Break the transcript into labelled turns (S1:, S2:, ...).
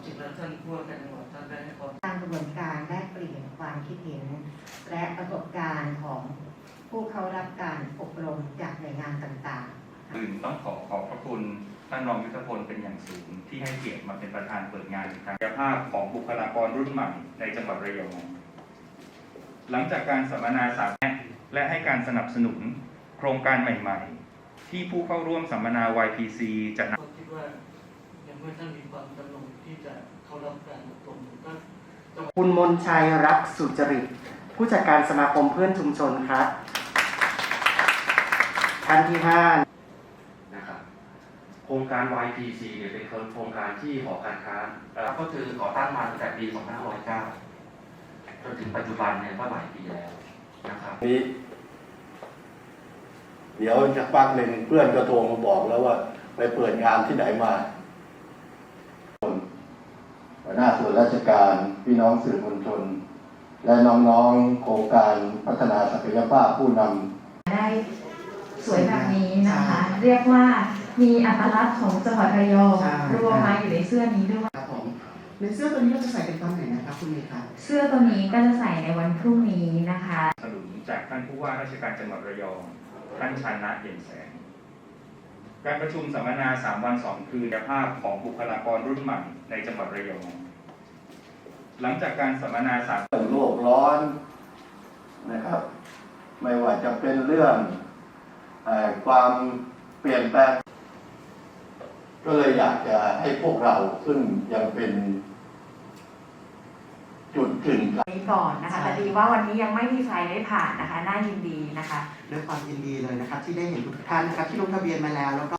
S1: จริงแล้วท่านผู้ว่าการจังหวัดท่านได้ให้ความ
S2: ตามกระบวนการแลกเปลี่ยนความคิดเห็นและประสบการณ์ของผู้เข้ารับการอบรมจากหน่วยงานต่างๆ
S3: ต้องขอบพระคุณท่านรองยุทธพลเป็นอย่างสูงที่ให้เกียรติมาเป็นประธานเปิดงานศักยภาพของบุคลากรรุ่นใหม่ในจังหวัดระยองหลังจากการสัมมนาสาธารณะและให้การสนับสนุนโครงการใหม่ๆที่ผู้เข้าร่วมสัมมนา YPC จะนำ
S1: คิดว่ายังไม่ท่านมีความจำนงที่จะเข้ารับการอบรมก็
S4: คุณมนชัยรักสุจริตผู้จัดการสมาคมเพื่อนชุมชนครับท่านที่5
S5: นะครับโครงการ YPC เนี่ยเป็นโครงการที่หอการค้าก็คือก่อตั้งมาตั้งแต่ปี 2509 จนถึงปัจจุบันเนี่ยก็หลายปีแล้วนะครับ
S6: นี้เดี๋ยวจะพักหนึ่งเพื่อนก็โทรมาบอกแล้วว่าไปเปิดงานที่ไหนมาหัวหน้าส่วนราชการพี่น้องสื่อมวลชนและน้องๆโครงการพัฒนาศักยภาพผู้นำ
S7: ได้สวยแบบนี้นะคะ เรียกว่ามีอัตลักษณ์ของจังหวัดระยองรวมมาอยู่ในเสื้อนี้ด้วย
S4: ครับผมในเสื้อตัวนี้เราจะใส่เป็นตอนไหนนะครับคุณเมย์ครับ
S7: เสื้อตัวนี้ก็จะใส่ในวันพรุ่งนี้นะคะ
S3: สนับสนุนจากท่านผู้ว่าราชการจังหวัดระยองท่านชานะเย็นแสงการประชุมสัมมนา3 วัน 2 คืนศักยภาพของบุคลากรรุ่นใหม่ในจังหวัดระยองหลังจากการสัมมนา
S6: โลกร้อนนะครับไม่ว่าจะเป็นเรื่องความเปลี่ยนแปลงก็เลยอยากจะให้พวกเราซึ่งยังเป็นจุดกึ่งกลาง
S8: นี้ก่อนนะคะแต่ดีว่าวันนี้ยังไม่มีใครได้ผ่านนะคะน่ายินดีนะคะ
S4: ด้วยความยินดีเลยนะครับที่ได้เห็นทุกท่านนะครับที่ลงทะเบียนมาแล้วก็